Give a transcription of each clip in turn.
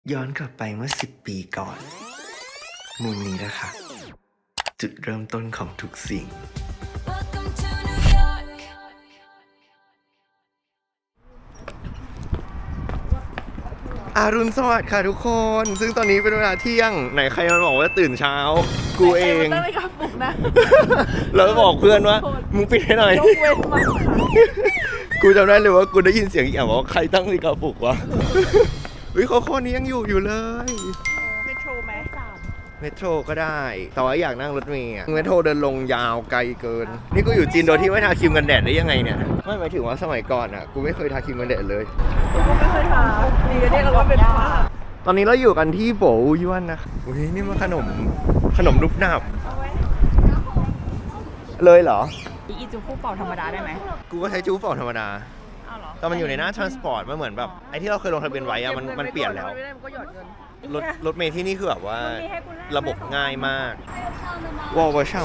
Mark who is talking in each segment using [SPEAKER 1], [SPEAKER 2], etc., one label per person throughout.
[SPEAKER 1] ย้อนกลับไปเมื่อ10 ปีก่อนมุมนี้นะคะ จุดเริ่มต้นของทุกสิ่งอรุณสวัสดิ์ค่ะทุกคนซึ่งตอนนี้เป็นเวลาเที่ยงไหนใครมาบอกว่าตื่นเช้ากูเอง
[SPEAKER 2] ตั้งนาฬิกาปลุกนะ
[SPEAKER 1] แล้วบอกเพื่อนว่ามึงปิดให้หน่อย
[SPEAKER 2] ยกเว้นมาค่ะ
[SPEAKER 1] กูจำได้เลยว่ากูได้ยินเสียงอีกอย่างว่าใครตั้งนาฬิกาปลุกวะเฮ้ยข้อนี้ยังอยู่เลย
[SPEAKER 2] เมโทรไหม
[SPEAKER 1] เมโทรก็ได้แต่ว่าอยากนั่งรถเมล์เมโทรเดินลงยาวไกลเกินนี่กูอยู่จีนโดยที่ไม่ทาครีมกันแดดได้ยังไงเนี่ยไม่หมายถึงว่าสมัยก่อนอ่ะกูไม่เคยทาครีมกันแดดเลย
[SPEAKER 2] ผมก็ไม่เคยทาดีกันเนี่ยเราก็เป็นฝ้า
[SPEAKER 1] ตอนนี้เราอยู่กันที่โบวยวนนะอุ้ยนี่มันขนมรูปหนับเลยเหรอ
[SPEAKER 2] อีจูคู่เป่าธรรมดาได้ไหม
[SPEAKER 1] กูก็ใช้จูเป่าธรรมดา
[SPEAKER 2] อ้าวเหรอ
[SPEAKER 1] แต่มันอยู่ในหน้า transport มันเหมือนแบบไอ้ที่เราเคยลงทะเบียนไว้อะมันเปลี่ยนแล้ว
[SPEAKER 2] ไม่ได้มันก็หยอดเงิน
[SPEAKER 1] รถเมล์ที่นี่คือแบบว่าระบบง่ายมากว้าวช่าง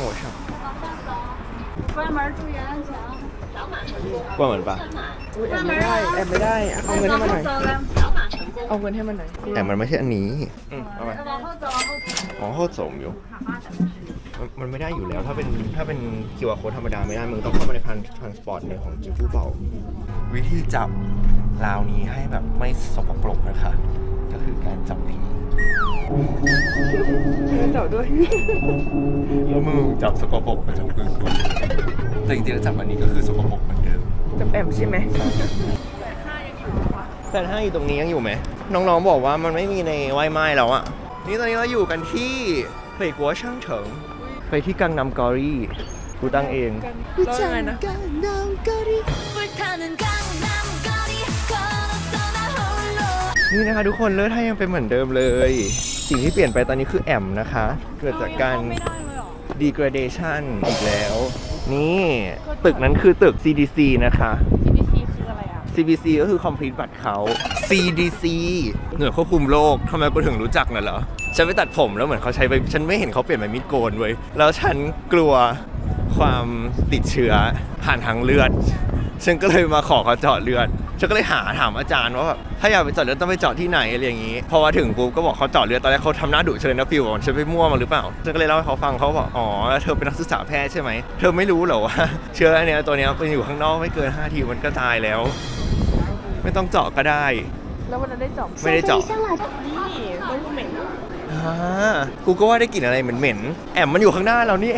[SPEAKER 1] ว่าเหมือนปะ
[SPEAKER 2] อุ้ยแอบไม่ได้เอาเงินให้มันหน่อยเอาเงินให้มันหน่อย
[SPEAKER 1] แต่มันไม่ใช่อันนี้เอาไปอ๋อโคตรสมอยู่มันไม่ได้อยู่แล้วถ้าเป็น QR code ธรรมดาไม่ได้มึงต้องเข้ามาในtransport ในของจิฟูเป่าวิธีจับราวนี้ให้แบบไม่สกปรกนะคะก็คือการจับอย่างนี้
[SPEAKER 2] เจ้าด้วย
[SPEAKER 1] แล้วมือจับสกปรกไปทั้งปืนแต่จริงๆแล้วจับอันนี้ก็คือสกปรกเหมือนเดิม
[SPEAKER 2] กับแอมใช่ไหม
[SPEAKER 1] แต่ถ้าอยู่ตรงนี้ยังอยู่ไหมน้องๆบอกว่ามันไม่มีในไวไม้แล้วอะนี่ตอนนี้เราอยู่กันที่เป่ยกัวช่างเฉิงไปที่กังนำกอรี่กูตั้งเอง
[SPEAKER 2] แล้วยังไงนะ
[SPEAKER 1] นี่นะคะทุกคนเลือดให้ยังเป็นเหมือนเดิมเลย สิ่งที่เปลี่ยนไปตอนนี้คือแอมนะคะ เกิดจากการ degradation อีกแล้ว นี่ตึกนั้นคือตึก CDC นะคะ
[SPEAKER 2] CBC คืออะไรอ่ะ
[SPEAKER 1] CBC ก็คือ complete บัตรเขา CDC หน่วยควบคุมโรคทำไมกูถึงรู้จักน่ะเหรอ ฉันไปตัดผมแล้วเหมือนเขาใช้ไปฉันไม่เห็นเขาเปลี่ยนไปมิดโกนเว้ยแล้วฉันกลัวความติดเชื้อผ่านทางเลือด ฉันก็เลยมาขอเขาเจาะเลือด ฉันก็เลยถามอาจารย์ว่าแบบถ้าอยากไปเจาะเลือดต้องไปเจาะที่ไหนอะไรอย่างนี้พอมาถึงปุ๊บก็บอกเขาเจาะเลือดตอนแรกเขาทำหน้าดุเฉยนะฟิวบอกฉันไปมั่วมาหรือเปล่าฉันก็เลยเล่าให้เขาฟังเขาบอกอ๋อเธอเป็นนักศึกษาแพทย์ใช่ไหมเธอไม่รู้เหรอว่าเชื้อเนี้ยตัวเนี้ยเป็นอยู่ข้างนอกไม่เกิน5 ทีมันก็ตายแล้ว ไม่ต้องเจาะก็ได้
[SPEAKER 2] แล้ววันนั้นได้เจาะ
[SPEAKER 1] ไม่ได้เจาะ
[SPEAKER 2] นี่ต้องเหม็น
[SPEAKER 1] กูก็ว่าได้กลิ่นอะไรเหม็นๆแอมมันอยู่ข้างหน้าเรานี่เอง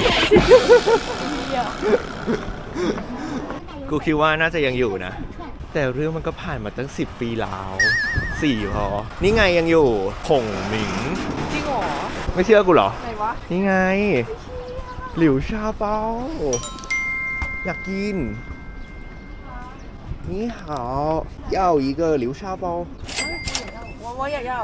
[SPEAKER 1] กูคิดว่าน่าจะยังอยู่นะแต่เรื่องมันก็ผ่านมาตั้ง10 ปีแล้ว4 พอนี่ไงยังอยู่ผงหมิง
[SPEAKER 2] จริงเหรอ
[SPEAKER 1] ไม่เชื่อกูเหรอ
[SPEAKER 2] ไหนวะ
[SPEAKER 1] นี่ไงหลิวชาเปาอยากกินนี่好要一个流沙包
[SPEAKER 2] 我也要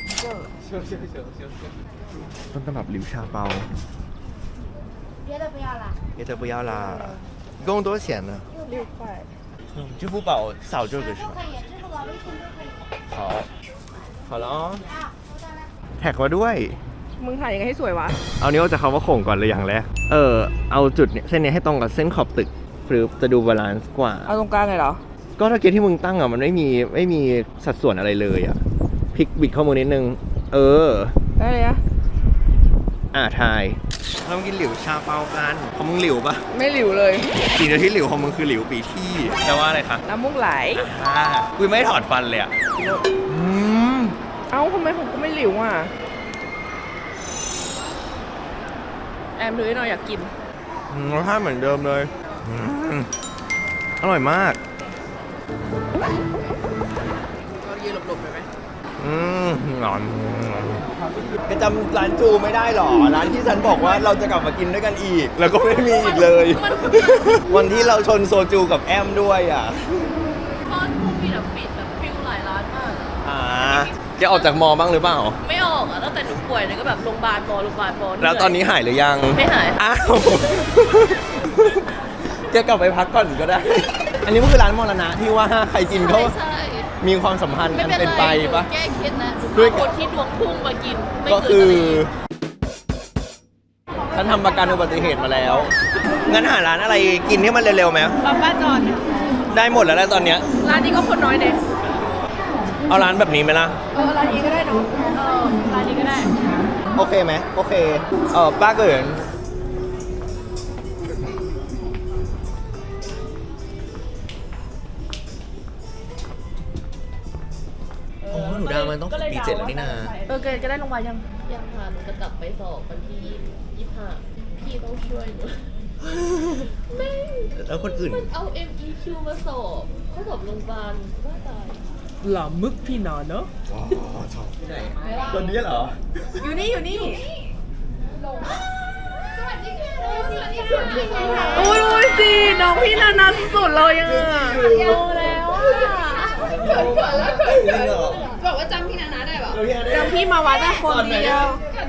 [SPEAKER 1] ต้นตำรับหลิวชาเปา
[SPEAKER 3] 别的不要了。
[SPEAKER 1] 别的不要啦一共多少钱呢
[SPEAKER 2] 6块
[SPEAKER 1] 支付宝扫这个是吗
[SPEAKER 3] 可以，支付宝、微信都可以。
[SPEAKER 1] 好好了อ๋อแท็กมาด้วย
[SPEAKER 2] มึงถ่ายยังไงให้สวยวะ
[SPEAKER 1] เอานิ้วจากคำว่าโข่งก่อนเลยอย่างแรกเอาจุดเนี่ยเส้นนี้ให้ตรงกับเส้นขอบตึกหรือจะดูบาลานซ์กว่า
[SPEAKER 2] เอาตรงกลางเลยเหรอ
[SPEAKER 1] ก็ถ้าเกณฑ์ที่มึงตั้งอ่ะมันไม่มีสัดส่วนอะไรเลยอ่ะพลิกบิดข้อมือนิดนึง
[SPEAKER 2] ได้เลยนะ
[SPEAKER 1] ทายเรามากินหลิวชาเปากันของมึงหลิวปะ
[SPEAKER 2] ไม่หลิวเลย
[SPEAKER 1] สิ่งเดียวที่หลิวของมึงคือหลิวปีที่แปลว่าอะไรคะ
[SPEAKER 2] น้ำมูกไหล
[SPEAKER 1] กูไม่ถอดฟันเลยอ่ะ
[SPEAKER 2] เอ้าทำไมผมก็ไม่หลิวอ่ะ แอมถือให้หน่อยอยากกิน
[SPEAKER 1] รสชาติเหมือนเดิมเลยอร่อยมาก
[SPEAKER 2] เรายืนหลบๆไปไหม
[SPEAKER 1] หนอนแกจำร้านจูไม่ได้หรอร้านที่ฉันบอกว่าเราจะกลับมากินด้วยกันอีก แล้วก็ไม่มีอีกเลย วันที่เราชนโซจูกับแอมด้วยอ่ะ
[SPEAKER 4] ตอนโควิดอะปิดแบบฟิวหลายร้านมากอะ
[SPEAKER 1] แกออกจากมอบ้างหรือเปล่า
[SPEAKER 4] ไม่ออกอะตั้งแต่หนูป่วยเนี่ยก็แบบโรงพยาบาลหมอเหนื่ย
[SPEAKER 1] แล้วตอนนี้หายหรือยัง
[SPEAKER 4] ไม่หาย
[SPEAKER 1] อ้าว แกกลับไปพักก่อนก็ได้ อันนี้มันคือร้านมรณะที่ว่าใครกินเขา
[SPEAKER 4] ใช่
[SPEAKER 1] มีความสัมพันธ์
[SPEAKER 4] ไม่
[SPEAKER 1] กัน
[SPEAKER 4] เป็น
[SPEAKER 1] เป็น
[SPEAKER 4] ไร
[SPEAKER 1] ไป
[SPEAKER 4] หนู
[SPEAKER 1] ปะ
[SPEAKER 4] แก้เคล็ดนะ
[SPEAKER 1] ด้วย
[SPEAKER 4] คนที่ดวงพุ่งมากินไม่
[SPEAKER 1] ก็
[SPEAKER 4] เกิ
[SPEAKER 1] คื
[SPEAKER 4] น
[SPEAKER 1] อ
[SPEAKER 4] อะไร
[SPEAKER 1] ฉันทำประกันอุบัติเหตุมาแล้ว งั้นหาร้านอะไรกินที่มันเร็วๆไหม
[SPEAKER 2] ป้าจอน
[SPEAKER 1] ได้หมดแล้วแหละตอนเนี้ย
[SPEAKER 2] ร้านนี้ก็คนน้อยเนี่ย
[SPEAKER 1] เเอาร้านแบบนี้ไหมล่ะ
[SPEAKER 2] ร้านนี้ก็ได้เนาะ
[SPEAKER 4] ร้านนี้ก็ได้
[SPEAKER 1] โอเคไหมโอเคป้าเกินโอ้หนูดาวมันต้องปี7แล้วนี่นา
[SPEAKER 2] เกดก็ได้ลงมายัง
[SPEAKER 4] ยังค่ะหนูจะกลับไปสอบวันที่25พี่ต้องช่วยหนูแม่ง
[SPEAKER 1] แล้วคนอื่น
[SPEAKER 4] มันเอา MEQ มาสอบเขาสอบโรงพยาบาลว่าตาย
[SPEAKER 2] หล่อมึกพี่นอนเนาะ
[SPEAKER 1] อ๋อชอบที่ไหนคนนี้เหรอ
[SPEAKER 2] อยู่นี่อยู่นี่
[SPEAKER 3] สวัสดีค่ะสวัสดีค่ะ
[SPEAKER 2] โอ้ยสิน้องพี่นานาสุดๆเลยอ่ะ
[SPEAKER 3] รู้แล้วอ่ะ
[SPEAKER 1] จริงเหรอ
[SPEAKER 3] บอกว่าจำพี่นานาได้ป่ะ
[SPEAKER 2] จำพี่มาวัดอะคนเดียว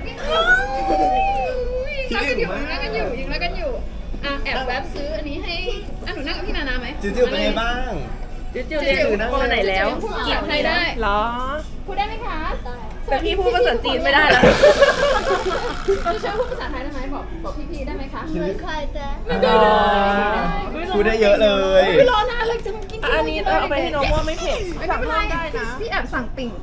[SPEAKER 1] คิดถึงมาก
[SPEAKER 3] รักกันอยู่ยังรักกันอยู่อ่ะแอบแวบซื้ออันนี้ให้อ่ะหนูนั่งกับพี่นานาไหม
[SPEAKER 1] จิ๋วๆเป็นไงบ้าง
[SPEAKER 2] จิ๋วๆคนไหนแล้ว
[SPEAKER 3] จีบใครได้
[SPEAKER 2] เหรอ
[SPEAKER 3] พูดได้ไหมคะ
[SPEAKER 2] แต่พี่พูดภาษาจีนไม่ได้แล้ว
[SPEAKER 3] จะช่วยพูดภาษาไทยได้ไหมบอกพี่ๆได้ไหมคะไม่ค่อยจะ
[SPEAKER 1] พูดได้เยอะเลย
[SPEAKER 3] ไม่รอนานเลยจะมากิน
[SPEAKER 2] อันนี้เอาไปให้น้องว่าไม่เผ็ดสั่งเพิ่มได้นะ
[SPEAKER 3] พี่แอบสั่งติ่ง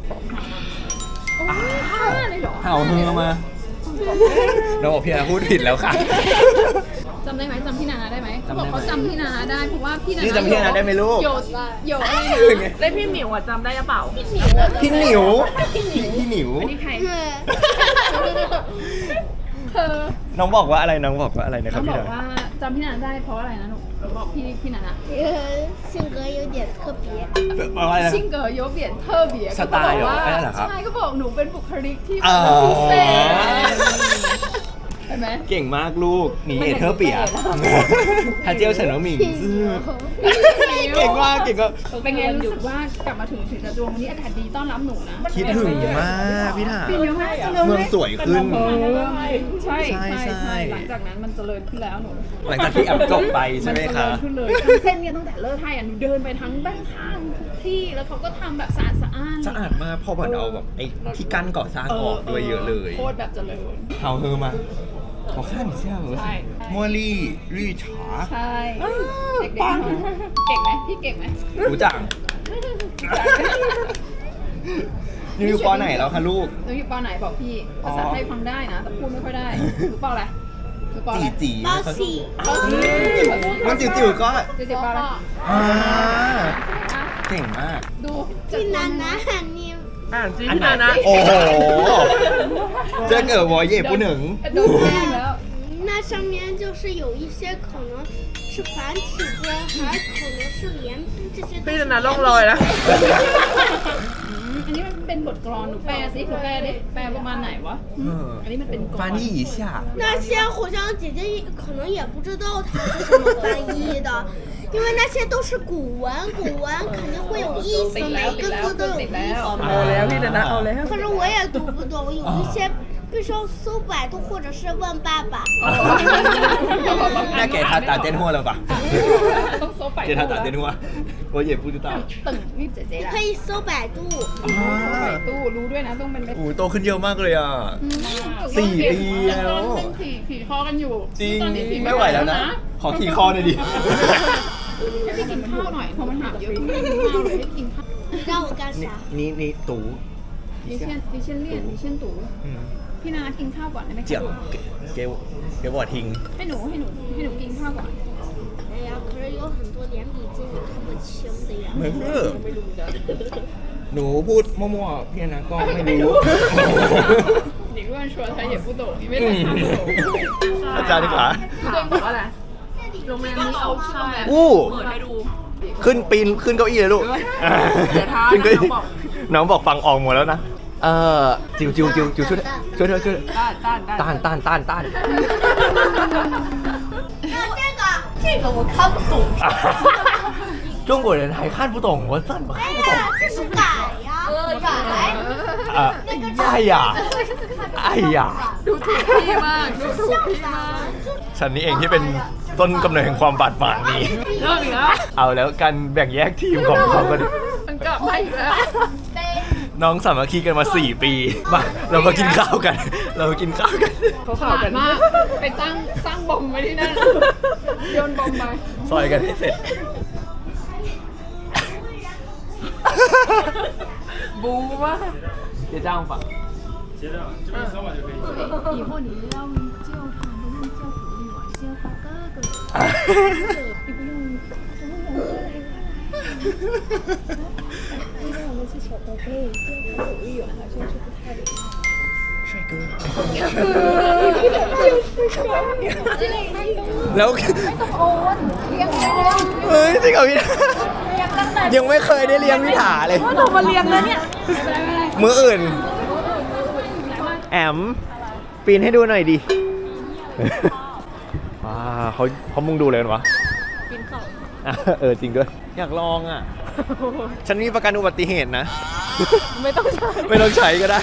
[SPEAKER 3] ห้าเลยเหรอ
[SPEAKER 1] เห่ามือมาน้องบอกพี่นาพูดผิดแล้วค่ะ
[SPEAKER 3] จำได้ไหมจำพี่นานาได้ไหมเขาบอกเขาจำพี่นานาได้เพราะว่าพี่นา
[SPEAKER 1] นี่
[SPEAKER 3] นา
[SPEAKER 1] จำพี่นานาได้ไหมลูก
[SPEAKER 3] โยอะไรนะ
[SPEAKER 2] ได้พี่หมิวอะจำได้หรือเปล่า
[SPEAKER 1] พี่หนิวพี่หนิว
[SPEAKER 3] นี่ใครเธอ
[SPEAKER 1] น้องบอกว่าอะไรน้องบอกว่าอะไรนะค
[SPEAKER 3] เขา
[SPEAKER 1] รับ
[SPEAKER 3] บ
[SPEAKER 1] พี่
[SPEAKER 3] อก
[SPEAKER 1] นา
[SPEAKER 3] ว่าจำพี่นานาได้เพราะอะไรนะหนูบอกพี่นานา
[SPEAKER 5] 性格有点特别。
[SPEAKER 1] อะไรนะ
[SPEAKER 3] ซิงเกิลโยเบียนเธอเบีย
[SPEAKER 1] สไตล์เหรออันนั้นเหรอครับ
[SPEAKER 3] ใช่ก็บอกหนูเป็นบุคลิกที่
[SPEAKER 1] อ๋อ
[SPEAKER 3] พิเศษเห็นไหม
[SPEAKER 1] เก่งมากลูกหนีเอเธอร์เปียฮาเจียวเฉินเหมิงซื่อเก่งมากเก่งก็
[SPEAKER 3] เป็นไงรู้สึกว่ากลับมาถึงศรีราชวงศ์วันนี้อากาศดีต้อนรับหนูนะ
[SPEAKER 1] คิดถึงมากพี่ถา
[SPEAKER 3] ปีเยอะมาก
[SPEAKER 1] เมืองสวยขึ้น
[SPEAKER 3] ใช่
[SPEAKER 1] ใช่
[SPEAKER 3] ใช่
[SPEAKER 1] ใช่
[SPEAKER 3] ใช่หลังจากนั้นมันเจริญขึ้นแล้วหนู
[SPEAKER 1] หลังจากที่แอปจบไปใช่ไหมคะ
[SPEAKER 3] นเจริญขึ้นเลยทั้งเส้นเนี่ยตั้งแต่เลิกไทยอ่ะหนูเดินไปทั้งด้านข้างทุกที่แล้วเขาก็ทำแบบสะอาด
[SPEAKER 1] สะอาดมากเพอเหมือนเอาแบบไอ้ที่กั้นก่อสร้างออกด้วยเยอะเลย
[SPEAKER 3] โคตรแบบเจริญ
[SPEAKER 1] เฮาเธอมาขอข้ามเชี่ยว
[SPEAKER 3] ใช่
[SPEAKER 1] มัวลี่ลี่ฉา
[SPEAKER 3] ใช่เด็กๆเก่งไหมพี่เก่งไหม
[SPEAKER 1] รู้จักนี่อยู่ปอไหนแล้วคะลูก
[SPEAKER 3] หนูอยู่ปอไหนบอกพี่ภาษาไทยฟังได้นะแต่พูดไม่ค่อยได้หนูปออะไรหนูปออะไร
[SPEAKER 1] จี
[SPEAKER 5] 包喜，
[SPEAKER 1] มันจิ๋วๆก็
[SPEAKER 3] เจ๊ปออะไร
[SPEAKER 1] อ่าเก่งมาก
[SPEAKER 3] ดู
[SPEAKER 5] พี่นานา你
[SPEAKER 2] อ่านจี
[SPEAKER 1] อัน
[SPEAKER 2] พี่
[SPEAKER 1] ไหน
[SPEAKER 2] นานะ
[SPEAKER 1] โอ้โหเจอเกิดวอเย่ผู้หนึ่ง
[SPEAKER 3] ดูแจ้งแล้ว
[SPEAKER 5] 那上面就是有一些可能是繁体字，还可能是连这些都
[SPEAKER 2] พี่
[SPEAKER 5] 是
[SPEAKER 2] นานาล่องลอยแล้ว
[SPEAKER 3] อันนี้มันเป็นบทกลอนหนูแปลสิหนูแปลดิแปลประมาณไหนวะอันนี้มันเป็นกลอน
[SPEAKER 1] 翻译一下
[SPEAKER 5] 那些好像姐姐可能也不知道它是什么翻译的，因为那些都是古文，古文肯定会有意思，每个字都有意思。
[SPEAKER 2] เอาแล้วพี่นานาเอาแล้ว
[SPEAKER 5] 可是我也读不懂，有一些必须要搜百度或者是问爸爸。
[SPEAKER 1] 那给他打电话了吧
[SPEAKER 3] ต้องโซไป
[SPEAKER 1] 给他打电话我也不知道
[SPEAKER 3] ตึงนี่เจ๊ละ
[SPEAKER 5] 可以搜百度。
[SPEAKER 3] ไปตู้รู้ด้วยนะต้องเป็น
[SPEAKER 1] โอ้โตขึ้นเยอะมากเลยอ่ะ 4 ปีแล้ว
[SPEAKER 3] ขี่คอกันอยู่
[SPEAKER 1] จริง
[SPEAKER 3] ตอนนี้ขี่
[SPEAKER 1] ไม่ไหวแล้วนะ ขอขี่คอหน่อยดิ
[SPEAKER 3] ให้พี่กินข้าวหน่อยเพราะมันถามเยอะพี่กินข้าวเลยให้กินข้าว
[SPEAKER 5] 让我干啥？
[SPEAKER 1] 你读
[SPEAKER 3] ดิเช่นเลี่ยนดิเช่นตู่พี่นากินข้าวก่อนได้ไหมคะ
[SPEAKER 1] 讲给我听
[SPEAKER 3] ให้หนูกินข้าวก่อน
[SPEAKER 5] 哎呀，可是有很多连笔字你看不清的呀。
[SPEAKER 1] ไม่รู้หนูพูดมั่วๆพี่นะก็ไม่รู้
[SPEAKER 3] 你乱说他也不懂因为他看不懂
[SPEAKER 1] อาจารย์ขา
[SPEAKER 3] ถามว่าอะไรโรงแรมนี้เอาชื่อโรงแรม
[SPEAKER 1] อู้
[SPEAKER 3] เปิดให้ดู
[SPEAKER 1] ขึ้นปีนขึ้นเก้าอี้เลยลูก
[SPEAKER 2] เดี๋ยวท้า
[SPEAKER 1] ขึ้นเก้าอี้
[SPEAKER 2] น้องบอก
[SPEAKER 1] น้องบอกฟังออกหมดแล้วนะจิวช่วยช่วย
[SPEAKER 2] ต้าน
[SPEAKER 1] ต้าน
[SPEAKER 5] 这个我看不懂。
[SPEAKER 1] 中国人还看不懂我怎么看不懂
[SPEAKER 5] 这是改呀，改。
[SPEAKER 1] 哎呀哎呀
[SPEAKER 3] ดูถูกพี่มากดูถูกพี่มาก
[SPEAKER 1] ฉันนี่เองที่เป็นต้นกำเนิดแห่งความบาดหมางนี้
[SPEAKER 3] เริ่มอีกแล้ว
[SPEAKER 1] เอาแล้วกันแบ่งแยกทีมของเขาก็
[SPEAKER 3] มันกลับมาอีกแล้ว
[SPEAKER 1] น้องสามัคคีกันมา 4 ปีมาเรามากินข้าวกัน เรามากินข้าวกัน
[SPEAKER 2] เขาข่าวกัน
[SPEAKER 3] มากไปสร้างบอมไว้ที่นั่นโยนบอมไป
[SPEAKER 1] ซอยกันให้เสร็จ
[SPEAKER 2] บูมาก
[SPEAKER 1] 结账吧。
[SPEAKER 6] 结账，这边扫码就可以。
[SPEAKER 3] 以后你要叫他不用叫福利网，先叫哥哥。你不用因为我们是小宝贝，叫他福利网好像是不太礼貌。
[SPEAKER 1] 帅哥。แล้ว
[SPEAKER 3] โอ้วนเลี้ยงได้แล้ว
[SPEAKER 1] เฮ้ยจริงเหรอพี่ถายังไม่เคยได้เลี้ยงพี่ถาเลย
[SPEAKER 2] เรามาเรียนแล้วเนี่ย
[SPEAKER 1] มืออื่น แอม ปีนให้ดูหน่อยดิ ว้าเขามุงดูเลยกันวะปีนเขาจริงด้วย อยากลองอ่ะ ฉันมีประกันอุบัติเหตุนะ ไม่ต้องใช้ก็ได้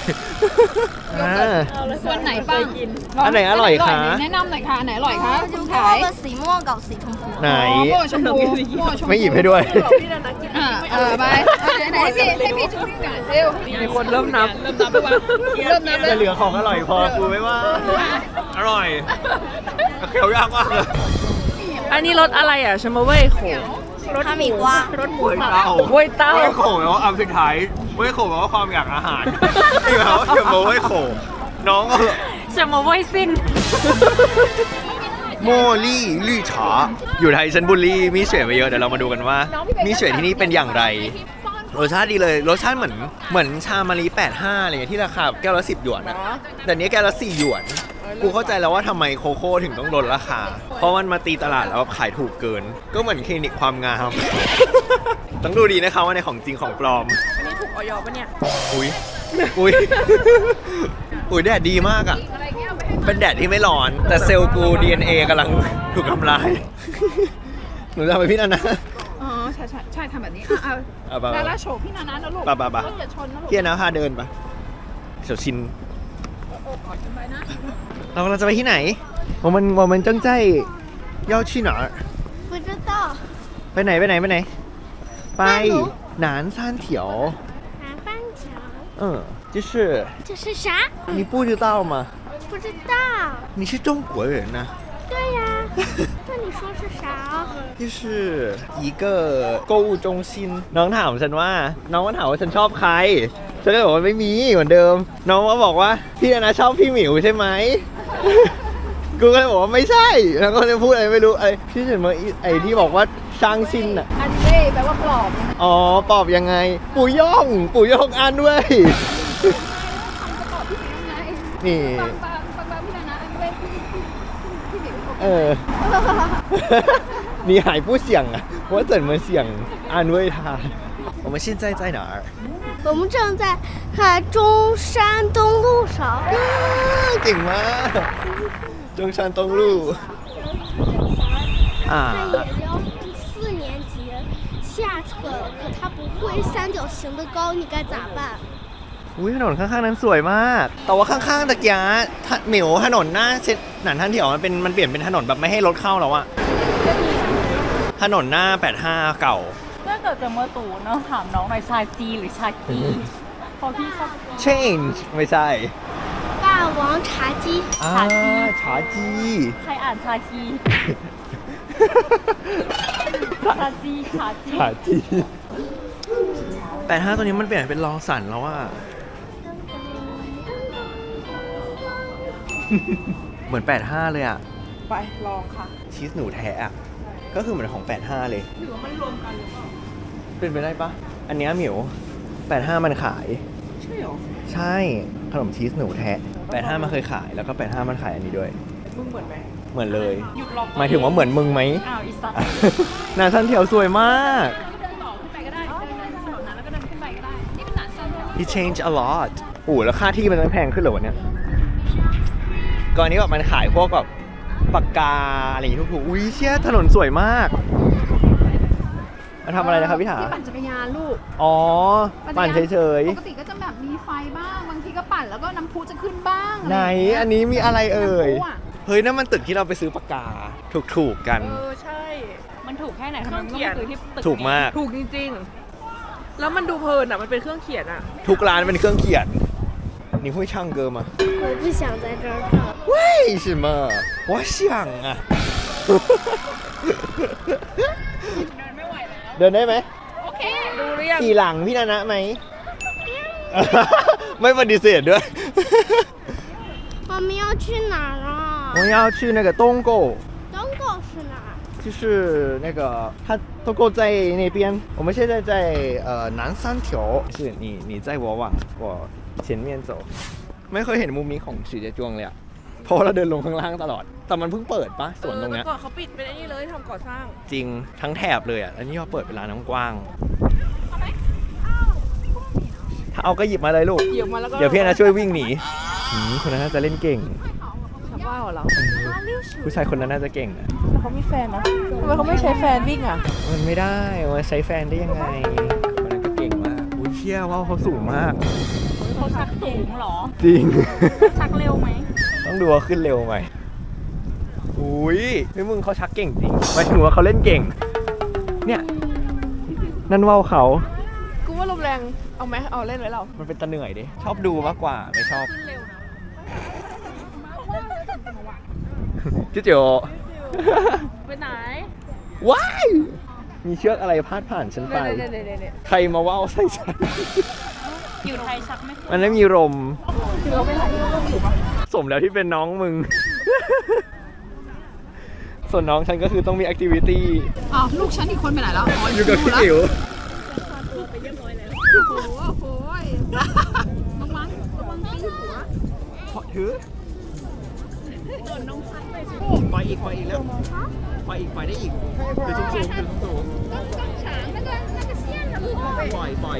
[SPEAKER 3] ส่วนไหนบ้าง
[SPEAKER 1] อันไหนอร่อยคะ
[SPEAKER 3] แนะนำหน่อยค่ะอันไหนอร่อยคะคุณขาย
[SPEAKER 5] 那个สีม่วงกับสีชมพู
[SPEAKER 1] ไหน
[SPEAKER 3] โม่ชมพูโม่ชมพู
[SPEAKER 1] ไม่หยิบให้ด้วย
[SPEAKER 3] ไปไหนให้พี่จุ๊บก่อนเร็ว
[SPEAKER 2] มีคนเริ่มนับ
[SPEAKER 3] เริ่มนับเล
[SPEAKER 1] จะ
[SPEAKER 3] ย
[SPEAKER 1] เหลือของอร่อยพอกูไม่ว่า อร่อยเคี้ยวยากมากเลย
[SPEAKER 2] อันนี้รสอะไรอ่ะชมาเว่ยโข
[SPEAKER 5] 哈密瓜
[SPEAKER 2] รสหมู
[SPEAKER 1] เว้ยเต้า
[SPEAKER 2] เว้ยเต้า
[SPEAKER 1] เว้ยโขแปลว่าอันสุดท้ายเว้ยโขแปลว่าความอยากอาหารนี่แปลว่าเกี่ยวกับเว้ยโขน้องก็
[SPEAKER 2] ชมาเว่ยสิ้น
[SPEAKER 1] โมลี่ลี่ฉาอยู่ไทยฉันบุรีมีเฉวยไปเยอะเดี๋ยวเรามาดูกันว่า มีเฉวยที่นี่เป็นอย่างไร รสชาติดีเลยรสชาติเหมือนชามารี85อะไรเงี้ยที่ราคาแก้วละ10 หยวนนะแต่เนี้ยแก้วละ4 หยวน กูเข้าใจแล้วว่าทำไมโคโค่ถึงต้องลดราคา เพราะมันมาตีตลาดแล้วขายถูกเกิน ก็เหมือนคลินิกความงาม ต้องดูดีนะคะว่าในของจริงของปลอม
[SPEAKER 2] อันนี้ถูกออยปะเนี่ย
[SPEAKER 1] อุ้ยอุ้ย อุ้ยแดดดีมากอ่ะ เป็นแดดที่ไม่ร้อน แต่เซลล์กู DNA กำลังถูกทำลาย หนูจะไปพี่นันนะ
[SPEAKER 3] อ๋อใช่ทำแบบนี้
[SPEAKER 1] เอาไป
[SPEAKER 3] แล้วโฉบพี่นานะนะลูก
[SPEAKER 1] ไป
[SPEAKER 3] อย่าชนนะลูก
[SPEAKER 1] พี่นะพาเดินปะเฉียวชิน เรากำลังจะไปที่ไหน我们正在要去哪儿
[SPEAKER 5] 不知道
[SPEAKER 1] ไปไหนไป南三条
[SPEAKER 5] 南方桥
[SPEAKER 1] 就是
[SPEAKER 5] 这是啥
[SPEAKER 1] 你不知道吗
[SPEAKER 5] 不知道
[SPEAKER 1] 你是中国人呐
[SPEAKER 5] 对呀那你说是啥
[SPEAKER 1] 就是一个购物中心น้องถามฉันว่าน้องมาถามว่าฉันชอบใครฉันก็บอกว่าไม่มีเหมือนเดิมน้องก็บอกว่าพี่นะชอบพี่หมิวใช่ไหม กูก็เลยบอกว่าไม่ใช่แล้วก็เลยพูดอะไรไม่รู้ไอ้ที่ฉันมาไอ้ที่บอกว่าช่างชินอ่ะ
[SPEAKER 3] อันเล่แปลว่าปลอบ
[SPEAKER 1] อ๋อปอบยังไง ปู่ย่องอ่านด้วย นี่
[SPEAKER 3] ฟังพี่นานะอันเล่พี่หมิว
[SPEAKER 1] 你还不想啊？我怎么想安慰他？我们现在在哪儿？
[SPEAKER 5] 我们正在看中山东路上
[SPEAKER 1] 顶吗？中山东路。啊。
[SPEAKER 5] 他也要4年级下册了，可他不会三角形的高，你该咋办？
[SPEAKER 1] อุ้ยถนนข้างๆนั้นสวยมาก แต่ว่าข้างๆตะกี้เหมียวถนนหน้าเช็ดหนันท่านเถียวมันเปลี่ยนเป็นถนนแบบไม่ให้รถเข้าแล้วอะถนนหน้า85เก่า
[SPEAKER 2] ถ้าเกิดจะมาตู่เนาะถามน้องหน่อยชาจีหรือชากีพอพี่ชอบ
[SPEAKER 1] change ไม่ใช่
[SPEAKER 5] 霸王茶姬
[SPEAKER 1] ชาจี
[SPEAKER 2] ใครอ่านชาคีชาจี
[SPEAKER 1] 85ตัวนี้มันเปลี่ยนเป็นลองสันแล้วอะ เหมือน85เลยอะ
[SPEAKER 2] ไปลองค่ะ
[SPEAKER 1] ชีสหนูแท้อะก็คือเหมือนของ85เลยหรือว่ามันรวมกันหรือเปล่าเป็นไปได้ปะอันเนี้ยหมิว85มันขายใช่หรอใช่ขนมชีสหนูแท้85มันเคยขายแล้วก็85มันขายอันนี้ด้วยมึงเหมือนไหมเหมือนเลยหมายถึงว่าเหมือนมึงไหม
[SPEAKER 2] อ้าวอีสัต
[SPEAKER 1] หน้าท่านเถียวสวยมาก
[SPEAKER 3] เดินต่อขึ้นไปก็ได้เดินถนนนั้นแล้วก็เดินขึ้นไปก็ได้นี่เป็นหนานซัน
[SPEAKER 1] He changed a lot โอ้แล้วค่าที่มันแพงขึ้นเหรอวะเนี่ยก่อนนี้แบบมันขายพวกแบบปากกาอะไรอย่างงี้ถูกๆอุ้ยเชี่ยถนนสวยมากมาทำอะไรนะครับพี่ถา
[SPEAKER 3] ที่ปั่นจักรยานลูก
[SPEAKER 1] อ๋อปั่นเฉย
[SPEAKER 3] ปกติก็จะแบบมีไฟบ้างบางทีก็ปั่นแล้วก็น้ำพุจะขึ้นบ้าง
[SPEAKER 1] ๆไหนอันนี้มีอะไรเอ่ย
[SPEAKER 3] น้ำพุอะ
[SPEAKER 1] เฮ้ยนั่นมันตึกที่เราไปซื้อปากกาถูกๆกัน
[SPEAKER 2] ใช่มันถูกแค่ไหนทำไมมันต้องไปซื้อที่ตึก
[SPEAKER 1] ถูกมาก
[SPEAKER 2] ถูกจริงๆแล้วมันดูเพลินอ่ะมันเป็นเครื่องเขียนอ่ะ
[SPEAKER 1] ทุกร้านเป็นเครื่องเขียน你会唱歌吗
[SPEAKER 5] 我不想在这儿唱。
[SPEAKER 1] 为什么我想啊เดินได้ไหม
[SPEAKER 3] โอเค
[SPEAKER 2] ดูหรือยัง
[SPEAKER 1] ขี่หลังพี่นานะไหมไม่ปฏิเสธด้วย
[SPEAKER 5] 我们要去哪儿啊？
[SPEAKER 1] 我们要去那个东沟，
[SPEAKER 5] 东沟是哪儿？
[SPEAKER 1] 就是那个它东沟在那边，我们现在在南三条，是你在我往我前面走。ไม่เคยเห็นมุมนี้ของสีเจจวงเลยอะเพราะเราเดินลงข้างล่างตลอด แต่มันเพิ่งเปิดปะสวนตรงเนี้ย
[SPEAKER 2] ก่อนเขาปิดเป็นไอ้นี่เลยทำก่อสร้าง
[SPEAKER 1] จริงทั้งแถบเลยอ่ะแล้วนี่เขาเปิดเป็นร้านน้ำกว้างถ้าเอาก็หยิบมาเลยลูก
[SPEAKER 2] หยิบมาแล้วก็
[SPEAKER 1] เดี๋ยวพี่นะช่วยวิ่งหนีคนนั้นน่าจะเล่นเก่ง
[SPEAKER 2] ชาวบ้านเหรอ
[SPEAKER 1] ผู้ชายคนนั้นน่าจะเก่งนะ
[SPEAKER 2] แต่เขามีแฟนนะทำไมเขาไม่ใช้แฟนวิ่งอ่ะ
[SPEAKER 1] มันไม่ได้มันใช้แฟนได้ยังไงคนนั้นก็เก่งมากอุ้ยเชี่ยว่าเขาสูงมาก
[SPEAKER 3] เขาชักสูงเหรอ
[SPEAKER 1] จริง
[SPEAKER 3] ชักเร็วไหม
[SPEAKER 1] ต้องดูว่าขึ้นเร็วไหมอุ้ยพี่มึงเขาชักเก่งจริงหมายถึงว่าเขาเล่นเก่ง เนี่ยนั่นว่าวเขา
[SPEAKER 2] กูว่าลมแรงเอาไหมเอาเล่นไว้เรา
[SPEAKER 1] มันเป็นตะเหนื่อยดิชอบดูมากกว่าไม่ชอบ
[SPEAKER 3] ขึ้นเร็วนะ
[SPEAKER 1] จิ๊ดเจียว
[SPEAKER 3] ไปไหน
[SPEAKER 1] ว้ายมีเชือกอะไรพาดผ่านฉันไป
[SPEAKER 2] เนี่ย
[SPEAKER 1] ใครมาว่าวใส่ฉัน
[SPEAKER 3] อยู่ไทยชักไม่
[SPEAKER 1] มันไม่มีลม
[SPEAKER 2] คือเราไปไหน
[SPEAKER 1] สมแล้วที่เป็นน้องมึง ส่วนน้องฉันก็คือต้องมีแอคทิวิตี้
[SPEAKER 2] อ้าวลูกฉันอีกคนไปไหนแล้ว
[SPEAKER 1] อยู่กับพี่อิ๋ว
[SPEAKER 2] โอ้โหระวังตีหัว
[SPEAKER 1] พอถือปล่อยอีกแล้วปล่อยอีกได้อีกถือสูงปล่อยมา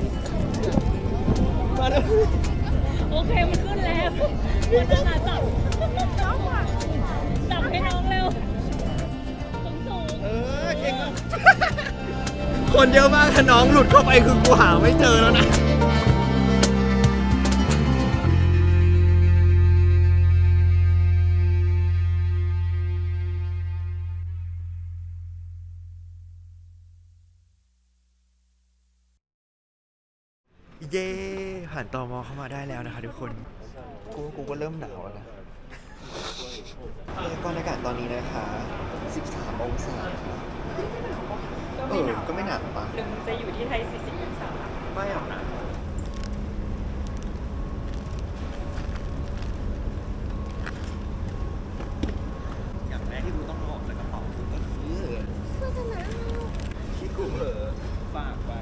[SPEAKER 1] แล้ว
[SPEAKER 3] โอเคมันขึ้นแล้วมันจะมาจับให้น้องเร็วสูง
[SPEAKER 1] เก่งมากคนเยอะมากถ้าน้องหลุดเข้าไปคือกูหาไม่เจอแล้วนะ เย้ผ่านตม.เข้ามาได้แล้วนะคะทุกคนกูก็เริ่มหนาวแล้วนะพยากรณ์อากาศตอนนี้นะคะ13 องศาก็ไม่หนาวปะ
[SPEAKER 2] หรือมึงจะอยู่ที่ไทย40องศา
[SPEAKER 1] ไม่หรอกนะอย่างแรกที่กูต้องเอาออกจากกระเป๋าก็คือที่กูเผลอฝากไว้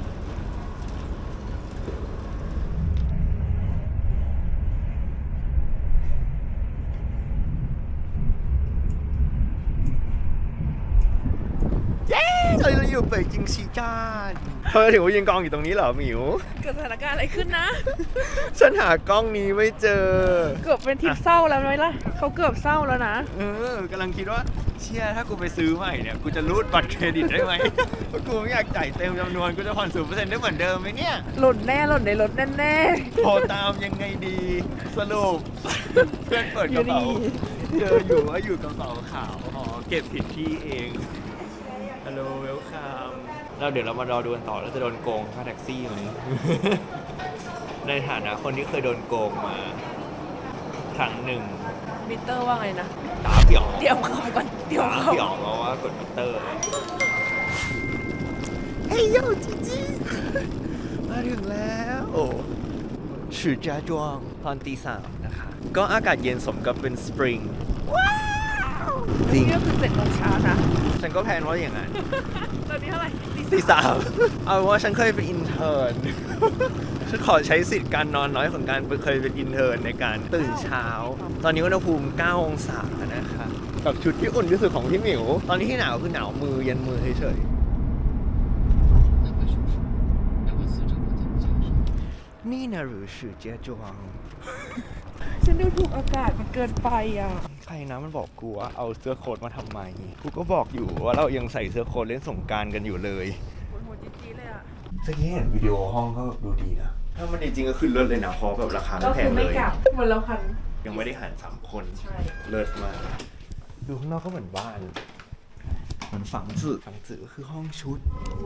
[SPEAKER 1] เราอยู่เป่ยจิงซีจานเธอถึงว่ายืนกองอยู่ตรงนี้เหรอหมิว
[SPEAKER 2] เกิดสถานการณ์อะไรขึ้นนะ
[SPEAKER 1] ฉันหากล้องนี้ไม่เจอ
[SPEAKER 2] เกือบเป็นทริปเศร้าแล้วไหมล่ะเขาเกือบเศร้าแล้วนะ
[SPEAKER 1] กำลังคิดว่าเชี่ยถ้ากูไปซื้อใหม่เนี่ยกูจะรูดบัตรเครดิตได้ไหมเพราะกูไม่อยากจ่ายเต็มจำนวนกูจะผ่อน 0% ได้เหมือนเดิมไหมเนี่ย
[SPEAKER 2] หล่นในรถแน่
[SPEAKER 1] โทรตามยังไงดีสรุป เพื่อนเปิดกระเป๋า
[SPEAKER 2] อยู่นี่
[SPEAKER 1] เจออยู่ว่าอยู่กระเป๋าขาวอ๋อเก็บผิดที่เองฮัลโหลเวลคัมแล้วเดี๋ยวเรามารอดูกันต่อแล้วจะโดนโกงค่าแท็กซี่ไหม ในฐานะคนที่เคยโดนโกงมาครั้งหนึ่ง
[SPEAKER 2] ๆมิเตอร์ว่าไงนะ
[SPEAKER 1] ตาเปี่ยว
[SPEAKER 2] เดี๋ยวเขาก่อนเดี๋ยว
[SPEAKER 1] ตา
[SPEAKER 2] เขา
[SPEAKER 1] เปี่ยวเพราะว่ากดมิเตอร์เฮ้ยโยจีจีมาถึงแล้วโอ้ชื่อจ้าจวงตอนตี 3นะคะก็อากาศเย็นสมกับเป็นสปริงว้าวจริง
[SPEAKER 2] นี่ก็คือ7 โมงเช้านะ
[SPEAKER 1] ฉันก็แพลนว่าอย่างนั้น
[SPEAKER 2] ตอนนี้เท่าไหร่
[SPEAKER 1] ตี 3เอาว่าฉันเคยเป็นอินเทอร์น ฉันขอใช้สิทธิ์การนอนน้อยของการเคยเป็นอินเทอร์นในการตื่นเช้า ตอนนี้อุณหภูมิ 9 องศานะคะกับชุดที่อุ่นที่สุดของพี่หมิว ตอนนี้ที่หนาวคือหนาวมือเย็นมือเฉยๆนี่นะหรือชื่อเจียจวง
[SPEAKER 2] ฉันดูถูกอากาศมันเกินไปอ่ะ
[SPEAKER 1] ใครนะมันบอกกูว่าเอาเสื้อโค้ทมาทำไม กูก็บอกอยู่ว่าเรายังใส่เสื้อโค้ทเล่นสงกรานต์กันอยู่เลย
[SPEAKER 2] โหดจี๊ดเลยอ่ะ
[SPEAKER 1] เมื่อกี้เห็นวิดีโอห้องก็ดูดีนะ ถ้ามันจริงๆก็ขึ้นเลิศเลยนะเพราะแบบราคาไม่
[SPEAKER 2] ก็
[SPEAKER 1] แพ
[SPEAKER 2] คื
[SPEAKER 1] ง
[SPEAKER 2] อ
[SPEAKER 1] เล
[SPEAKER 2] ไม่
[SPEAKER 1] ย
[SPEAKER 2] กลับเหมือนเราพัน
[SPEAKER 1] ยังไม่ได้หาร3 คน
[SPEAKER 2] ใช่
[SPEAKER 1] เลิศมากดูข้างนอกก็เหมือนบ้านเหมือนฝังจือก็คือห้องชุด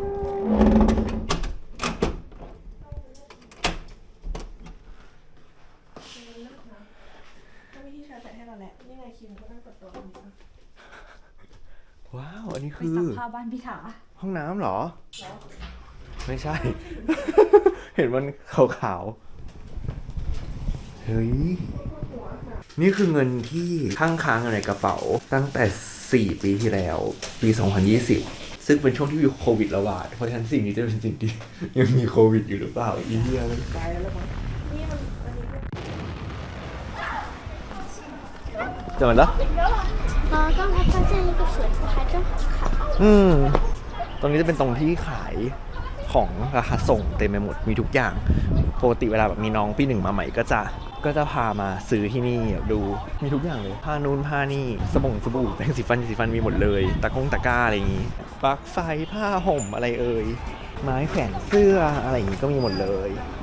[SPEAKER 2] ก็มีที่ชาร์จแบตให้เราแหละนี่ไงคิมก็นั่งกดตัวนี้
[SPEAKER 1] ว้าว อันนี้
[SPEAKER 3] ไป
[SPEAKER 1] คือ
[SPEAKER 3] ซักผ้าบ้านพี่ถา
[SPEAKER 1] ห้องน้ำเหรอ ไม่ใช่เห็นมันขาวๆ เฮ้ย นี่คือเงินที่ค้างอยู่ในกระเป๋าตั้งแต่ 4 ปีที่แล้ว ปี 2020 ซึ่งเป็นช่วงที่มีโควิดระบาด เพราะฉะนั้นสิ่งนี้จะเป็นสิ่งที่ยังมีโควิดอยู่หรือเปล่าอีเดียเลย怎么了？
[SPEAKER 5] 刚才发现一个水壶，还真好看。
[SPEAKER 1] ตรงนี้จะเป็นตรงที่ขายของราคาส่งเต็มไปหมด มีทุกอย่าง ปกติเวลาแบบมีน้องปีหนึ่งมาใหม่ก็จะพามาซื้อที่นี่ดู มีทุกอย่างเลย ผ้านูนผ้านี่สบู่แปรงสีฟันมีหมดเลย ตะกร้าอะไรอย่างงี้ ปลั๊กไฟผ้าห่มอะไรเอ่ย ไม้แขวนเสื้ออะไรอย่างงี้ก็มีหมดเลย